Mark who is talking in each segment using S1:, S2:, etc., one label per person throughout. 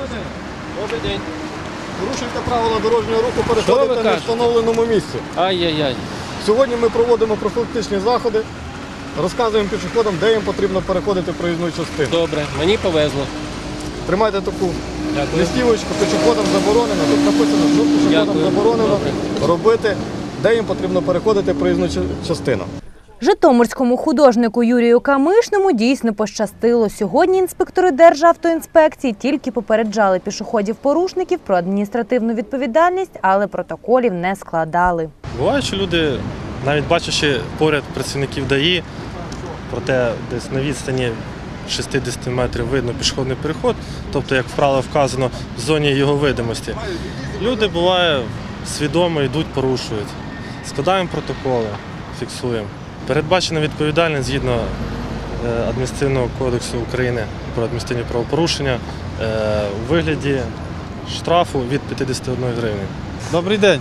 S1: Добрий день.
S2: Порушуйте правила дорожнього руху, переходите на встановленому місці.
S1: Ай-яй-яй.
S2: Сьогодні ми проводимо профілактичні заходи, розказуємо пішоходам, де їм потрібно переходити проїзну частину.
S1: Добре, мені повезло.
S2: Тримайте таку
S1: Дякую.
S2: листівочку, пішоходам заборонено. Тут написано, що пішоходам
S1: Дякую.
S2: заборонено
S1: Добре.
S2: робити, де їм потрібно переходити проїзну частину.
S3: Житомирському художнику Юрію Камишному дійсно пощастило. Сьогодні інспектори Державтоінспекції тільки попереджали пішоходів-порушників про адміністративну відповідальність, але протоколів не складали.
S4: Буває, що люди, навіть бачачи поряд працівників ДАІ, проте десь на відстані 60 метрів видно пішохідний переход, тобто, як правило вказано, в зоні його видимості. Люди, буває, свідомо йдуть, порушують. Складаємо протоколи, фіксуємо. Передбачена відповідальність згідно Адміністративного кодексу України про адміністративні правопорушення у вигляді штрафу від 51 гривні.
S5: Добрий день.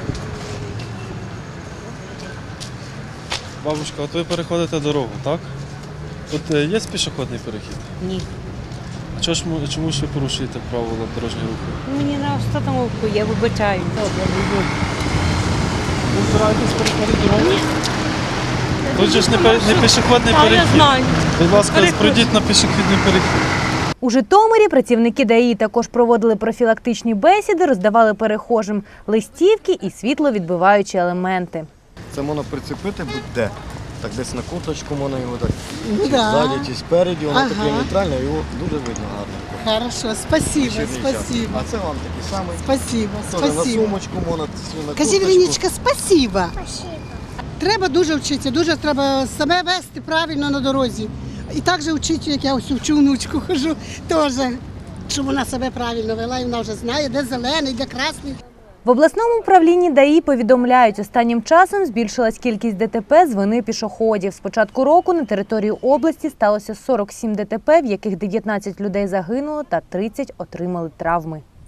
S5: Бабушка, от ви переходите дорогу, так? Тут є пішохідний перехід?
S6: Ні.
S5: А чому ж ви порушуєте правила дорожнього руху?
S6: Мені на остановку, я вибачаю.
S5: Ви збираєтесь переходити дорогу? Тут же ж не пішохідний
S6: А я
S5: перехід.
S6: знаю.
S5: Будь ласка, пройдіть на пішохідний перехід.
S3: У Житомирі працівники ДАІ також проводили профілактичні бесіди, роздавали перехожим листівки і світловідбиваючі елементи.
S2: Це можна прицепити будь-де. Так десь на куточку можна його так, чи
S7: Да.
S2: ззаді, чи спереді, воно
S7: Ага.
S2: таке нейтральне, його дуже видно гарно.
S7: Хорошо, спасибо,
S2: Вечірній час.
S7: спасибо.
S2: А це вам такий самий.
S7: Спасибо,
S2: Теж на
S7: спасибо.
S2: сумочку можна, на
S7: Кажи,
S2: курточку.
S7: Вероничка, спасибо. Треба дуже вчитися, дуже треба себе вести правильно на дорозі. І так же вчити, як я ось вчу внучку хожу, теж, щоб вона себе правильно вела, і вона вже знає, де зелений, де красний.
S3: В обласному управлінні ДАІ повідомляють, останнім часом збільшилась кількість ДТП з вини пішоходів. З початку року на території області сталося 47 ДТП, в яких 19 людей загинуло та 30 отримали травми.